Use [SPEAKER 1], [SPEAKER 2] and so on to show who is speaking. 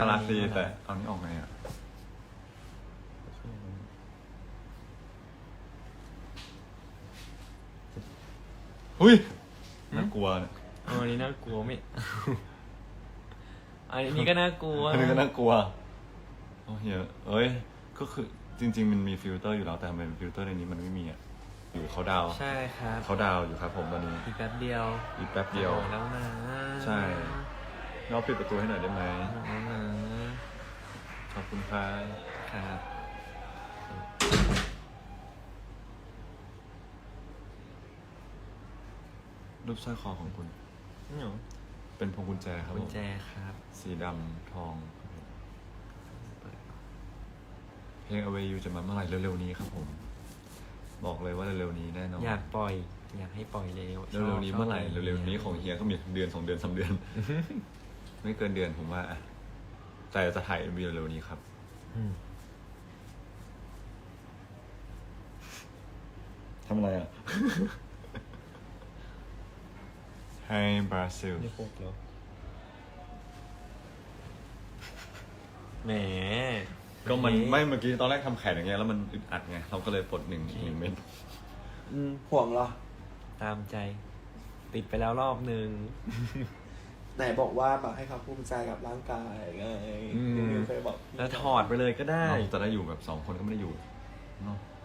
[SPEAKER 1] น่ารักดีแต่เอานี้ออกไงอ่ะหุ้ยน่ากลัวเนี่ย
[SPEAKER 2] อันนี้น่ากลัวไม่ อันนี้ก็น่ากลัว
[SPEAKER 1] อันนี้ก็น่ากลัวโอ้เหี้ยเอ้ยก็คือจริงๆมันมีฟิลเตอร์อยู่แล้วแต่ทำไมฟิลเตอร์ในนี้มันไม่มีอ่ะอยู่เขาดาว
[SPEAKER 2] ใช่ครับ
[SPEAKER 1] เขาดาวอยู่ครับผมตอนนี้
[SPEAKER 2] อีกแป๊บเดียว
[SPEAKER 1] อีกแป๊บเดียว
[SPEAKER 2] แล้วนะ
[SPEAKER 1] ใช่เราปิดประตูให้หน่อยได้ไหม
[SPEAKER 2] แล้วนะ
[SPEAKER 1] ขอบคุณครับ
[SPEAKER 2] ครับ
[SPEAKER 1] รูปสร้อยคอของคุณ
[SPEAKER 2] นี่หนู
[SPEAKER 1] เป็นพวงกุญแจครับ
[SPEAKER 2] กุ
[SPEAKER 1] ผ
[SPEAKER 2] ญ
[SPEAKER 1] ม
[SPEAKER 2] แจครับ
[SPEAKER 1] สีดำทอง เพลง Away You จะมาเมื่อไหร่เร็วๆนี้ครับผม บอกเลยว่าเร็วๆนี้แน่นอน
[SPEAKER 2] อยากปล่อย อยากให้ปล่อยเร็ว
[SPEAKER 1] เร็วๆนี้เมื่อไหร่
[SPEAKER 2] ชบ
[SPEAKER 1] เร็วๆนี้ของเฮียก็มีเดือน2 เดือน3 เดือน ไม่เกินเดือนผมว่าอะแต่จะถ่าย MV เร็วๆนี้ครับ
[SPEAKER 2] อืม
[SPEAKER 1] ทำอะไรอ่ะ ให้บราซิล
[SPEAKER 2] นี่พกแล้วแหม
[SPEAKER 1] ก็มันไม่เมื่อกี้ตอนแรกทำแขนอย่างเงี้ยแล้วมันอึดอัดไงเราก็เลยปลดหนึ่งเม็ด
[SPEAKER 3] ห่วงเหรอ
[SPEAKER 2] ตามใจ ติดไปแล้วรอบนึง
[SPEAKER 3] ไหนบอกว่าแบบให้เขาภูมิใจกับร่างกายไง
[SPEAKER 1] อืม
[SPEAKER 3] นิวเคยบอกพี่
[SPEAKER 2] แล้วถอดไปเลยก็ได้
[SPEAKER 1] เราจะได้อยู่แบบ2 คนก็ไม่ได้อยู่เนาะ